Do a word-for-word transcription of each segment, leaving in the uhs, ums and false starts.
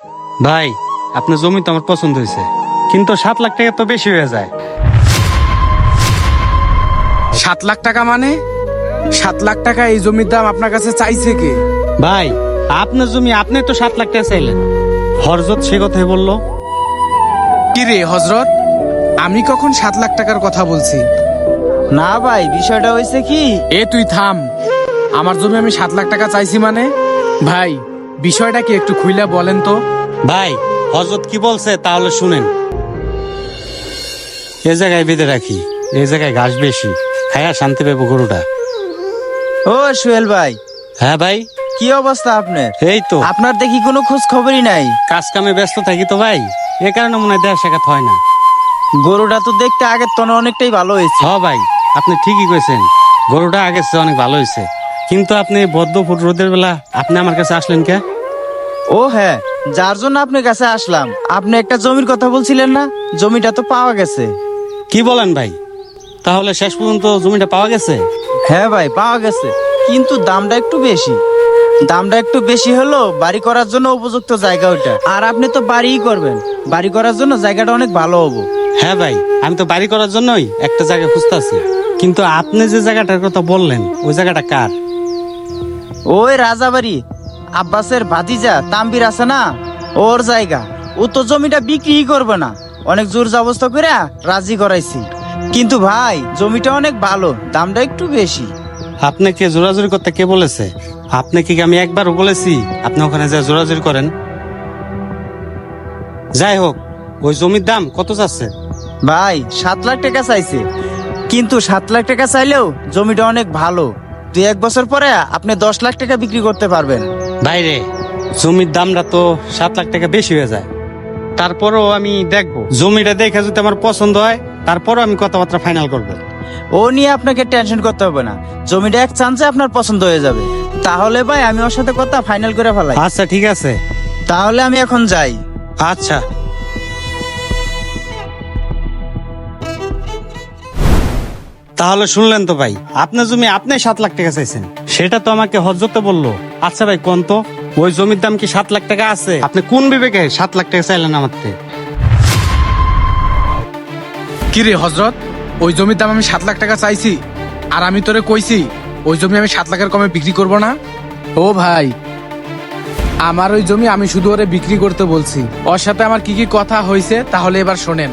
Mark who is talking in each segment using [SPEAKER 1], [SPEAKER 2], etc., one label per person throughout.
[SPEAKER 1] ভাই আপনার জমি তো আমার পছন্দ হয়েছে, কিন্তু সাত লাখ টাকা তো বেশি হয়ে যায়।
[SPEAKER 2] সাত লাখ টাকা মানে? সাত লাখ টাকা এই জমির দাম আপনার কাছে চাইছে কে?
[SPEAKER 1] ভাই আপনার জমি, আপনি তো সাত লাখ টাকা চাইলেন। হরজত সে কথাই বললো।
[SPEAKER 2] কি রে হজরত, আমি কখন সাত লাখ টাকার কথা বলছি?
[SPEAKER 3] না ভাই, বিষয়টা হয়েছে কি,
[SPEAKER 2] এ তুই থাম। আমার জমি আমি সাত লাখ টাকা চাইছি মানে? ভাই বিষয়টা কি একটু খুইলা বলেন তো।
[SPEAKER 1] ভাই হজরত কি বলছে তাহলে শুনেন। এ জায়গায় বেঁধে রাখি, এই জায়গায় ঘাস বেশি, খায়া শান্তি পাবো গরুটা।
[SPEAKER 3] ও সোহেল ভাই,
[SPEAKER 1] হ্যাঁ ভাই,
[SPEAKER 3] কি অবস্থা আপনার?
[SPEAKER 1] এই তো
[SPEAKER 3] আপনার দেখি কোনো খোঁজ খবরই নাই।
[SPEAKER 1] কাজ কামে ব্যস্ত থাকি তো ভাই, এ কারণে মনে হয় দেখা সাক্ষাৎ হয় না।
[SPEAKER 3] গরুটা তো দেখতে আগের তনে অনেকটাই ভালো হয়েছে।
[SPEAKER 1] হ ভাই, আপনি ঠিকই কইছেন, গরুটা আগের চেয়ে অনেক ভালো হয়েছে। কিন্তু আপনি বদ্ধ ফুট রোদের বেলা আপনি আমার কাছে আসলেন কে?
[SPEAKER 3] ও হ্যাঁ, যার জন্য আপনার কাছে আসলাম, আপনি একটা জমির কথা বলছিলেন না, জমিটা তো পাওয়া গেছে।
[SPEAKER 1] কি বলেন ভাই? তাহলে শেষ পর্যন্ত জমিটা পাওয়া গেছে?
[SPEAKER 3] হ্যাঁ ভাই, পাওয়া গেছে, কিন্তু দামটা একটু বেশি। দামটা একটু বেশি হলো বাড়ি করার জন্য উপযুক্ত জায়গা ওইটা। আর আপনি তো বাড়িই করবেন, বাড়ি করার জন্য জায়গাটা অনেক ভালো হবো।
[SPEAKER 1] হ্যাঁ ভাই, আমি তো বাড়ি করার জন্যই একটা জায়গা খুঁজতেছি। কিন্তু আপনি যে জায়গাটার কথা বললেন, ওই জায়গাটা কার?
[SPEAKER 3] ওই রাজাবাড়ি আব্বাসের ভাতিজা তাম্বির আছে না, ওর জায়গা। ও তো জমিটা বিক্রি করবে না, অনেক জোর জবরদস্ত করে রাজি করাইছি। কিন্তু ভাই জমিটা অনেক ভালো, দামটা একটু বেশি।
[SPEAKER 1] আপনাকে জোরাজুরি করতে কে বলেছে? আপনাকে কি আমি একবারও বলেছি আপনি ওখানে যা জোরাজুরি করেন? যাই হোক, ওই জমির দাম কত যাচ্ছে?
[SPEAKER 3] ভাই সাত লাখ টাকা চাইছে, কিন্তু সাত লাখ টাকা চাইলেও জমিটা অনেক ভালো। দুই এক বছর পরে আপনি দশ লাখ টাকা বিক্রি করতে পারবেন।
[SPEAKER 1] বাইরে জমির দামটা তো সাত লাখ টাকা বেশি হয়ে যায়। তারপরও আমি দেখবো, জমিটা দেখে যদি আমার পছন্দ হয় তারপরও আমি কথাবার্তা ফাইনাল করব।
[SPEAKER 3] ও নিয়ে আপনাকে টেনশন করতে হবে না, জমিটা এক চান্সে আপনার পছন্দ হয়ে যাবে। তাহলে ভাই আমি ওর সাথে কথা ফাইনাল করে ফেলাই।
[SPEAKER 1] আচ্ছা ঠিক আছে,
[SPEAKER 3] তাহলে আমি এখন যাই।
[SPEAKER 1] আচ্ছা। তাহলে শুনলেন তো ভাই, আপনার জমি আপনি সাত লাখ টাকা চাইছেন, সেটা তো আমাকে হজরতে বললো। আচ্ছা ভাই কোন তো, ওই জমির দাম কি সাত লাখ টাকা আছে? আপনি কোন বিবেকে সাত লাখ টাকা চাইলেন আমার থেকে?
[SPEAKER 2] কি রে হজরত, ওই জমির দাম আমি সাত লাখ টাকা চাইছি, আর আমি তোরে কইছি ওই জমি আমি সাত লাখের কমে বিক্রি করব না। ও ভাই, আমার ওই জমি আমি শুধু ওরে বিক্রি করতে বলছি, ওর সাথে আমার কি কি কথা হয়েছে তাহলে এবার শোনেন।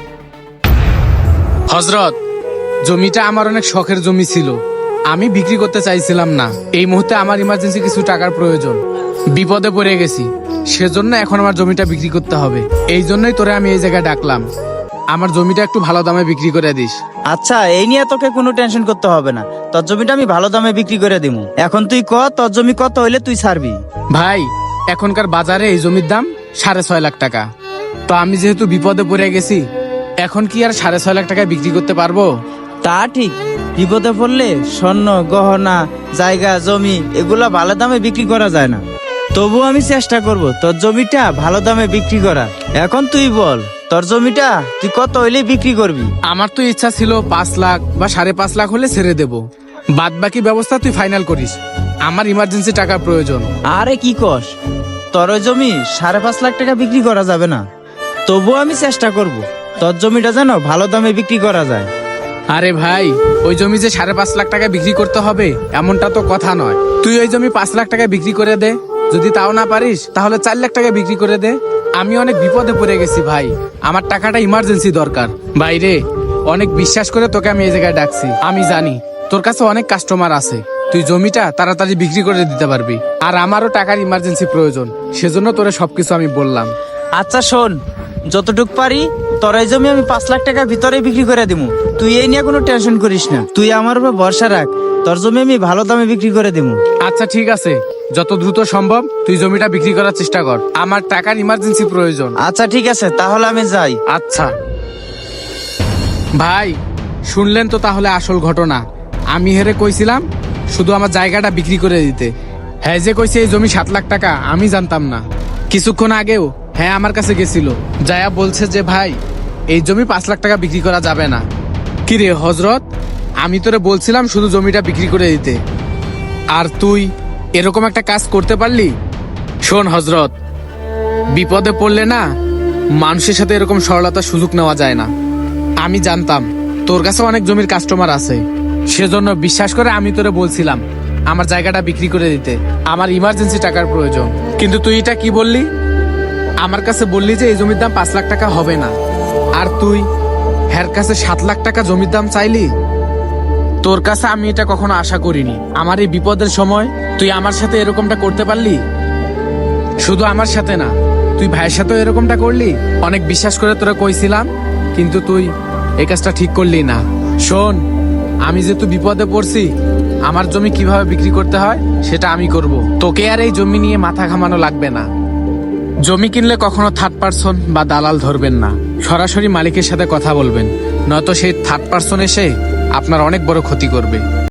[SPEAKER 2] হজরত, জমিটা আমার অনেক শখের জমি ছিল, আমি বিক্রি করতে চাইছিলাম না। এই মুহূর্তে আমার ইমার্জেন্সি কিছু টাকার প্রয়োজন, বিপদে পড়ে গেছি, সেজন্য এখন আমার জমিটা বিক্রি করতে হবে। এই জন্যই তোরে আমি এই জায়গায় ডাকলাম, আমার জমিটা একটু ভালো দামে বিক্রি করে দিস।
[SPEAKER 3] আচ্ছা, এই নিয়ে তোকে কোনো টেনশন করতে হবে না, তোর জমিটা আমি ভালো দামে বিক্রি করে দিব। এখন তুই ক, তোর জমি কত হইলে তুই ছাড়বি?
[SPEAKER 2] ভাই এখনকার বাজারে এই জমির দাম সাড়ে ছয় লাখ টাকা। তো আমি যেহেতু বিপদে পড়ে গেছি, এখন কি আর সাড়ে ছয় লাখ টাকায় বিক্রি করতে পারবো?
[SPEAKER 3] তা ঠিক, বিপদে পড়লে স্বর্ণ গহনা জায়গা জমি এগুলা ভালো দামে বিক্রি করা যায় না। তবু আমি চেষ্টা করব তোর জমিটা ভালো দামে বিক্রি করা। এখন তুই বল, তোর জমিটা তুই কত হইলে বিক্রি করবি?
[SPEAKER 2] আমার তো ইচ্ছা ছিল পাঁচ লাখ বা সাড়ে পাঁচ লাখ হলে ছেড়ে দেব, বাদ বাকি ব্যবস্থা তুই ফাইনাল করিস, আমার ইমার্জেন্সি টাকার প্রয়োজন।
[SPEAKER 3] আরে কি কস, তোর ওই জমি সাড়ে পাঁচ লাখ টাকা বিক্রি করা যাবে না। তবু আমি চেষ্টা করব তোর জমিটা যেন ভালো দামে বিক্রি করা যায়।
[SPEAKER 2] আরে ভাই, ওই জমি যে সাড়ে পাঁচ লাখ টাকা বিক্রি করতে হবে এমনটা তো কথা নয়। তুই ওই জমি পাঁচ লাখ টাকা বিক্রি করে দে, যদি তাও না পারিস তাহলে চার লাখ টাকা বিক্রি করে দে। আমি অনেক বিপদে পড়ে গেছি ভাই, আমার টাকাটা ইমার্জেন্সি দরকার। বাইরে অনেক বিশ্বাস করে তোকে আমি এই জায়গায় ডাকছি, আমি জানি তোর কাছে অনেক কাস্টমার আছে, তুই জমিটা তাড়াতাড়ি বিক্রি করে দিতে পারবি। আর আমারও টাকার ইমার্জেন্সি প্রয়োজন, সেজন্য তোরে সবকিছু আমি বললাম।
[SPEAKER 3] আচ্ছা শোন, যতটুক পারি তোর এই জমি আমি পাঁচ লাখ টাকার ভিতরে বিক্রি করে দিব। তুই এই নিয়ে কোনো টেনশন করিস না, তুই আমার উপর ভরসা রাখ, তোর জমি আমি ভালো দামে বিক্রি করে দিব।
[SPEAKER 2] আচ্ছা ঠিক আছে, যত দ্রুত সম্ভব তুই জমিটা বিক্রি করার চেষ্টা কর, আমার টাকার ইমার্জেন্সি প্রয়োজন।
[SPEAKER 3] আচ্ছা ঠিক আছে, তাহলে আমি যাই।
[SPEAKER 2] আচ্ছা ভাই, শুনলেন তো তাহলে আসল ঘটনা। আমি হেরে কইছিলাম শুধু আমার জায়গাটা বিক্রি করে দিতে, হ্যাঁ যে কইছে এই জমি সাত লাখ টাকা, আমি জানতাম না। কিছুক্ষণ আগেও হ্যাঁ আমার কাছে গেছিল, যায়া বলছে যে ভাই এই জমি পাঁচ লাখ টাকা বিক্রি করা যাবে না। কিরে হজরত, আমি তোরে বলছিলাম শুধু জমিটা বিক্রি করে দিতে, আর তুই এরকম একটা কাজ করতে পারলি? শোন হজরত, বিপদে পড়লে না মানুষের সাথে এরকম সরলতার সুযোগ নেওয়া যায় না। আমি জানতাম তোর কাছে অনেক জমির কাস্টমার আছে, সেজন্য বিশ্বাস করে আমি তোরে বলছিলাম আমার জায়গাটা বিক্রি করে দিতে, আমার ইমার্জেন্সি টাকার প্রয়োজন। কিন্তু তুই এটা কি বললি? আমার কাছে বললি যে এই জমির দাম পাঁচ লাখ টাকা হবে না, আর তুই হের কাছে সাত লাখ টাকা জমির দাম চাইলি। তোর কাছে আমি এটা কখনো আশা করিনি। আমার এই বিপদের সময় তুই আমার সাথে এরকমটা করতে পারলি। শুধু আমার সাথে না, তুই ভাইয়ের সাথেও এরকমটা করলি। অনেক বিশ্বাস করে তোরা কইছিলাম, কিন্তু তুই এই কাজটা ঠিক করলি না। শোন, আমি যেহেতু বিপদে পড়ছি, আমার জমি কিভাবে বিক্রি করতে হয় সেটা আমি করব। তোকে আর এই জমি নিয়ে মাথা ঘামানো লাগবে না। জমি কিনলে কখনো থার্ড পার্সন বা দালাল ধরবেন না, সরাসরি মালিকের সাথে কথা বলবেন, নয়তো সেই থার্ড পার্সন এসে আপনার অনেক বড় ক্ষতি করবে।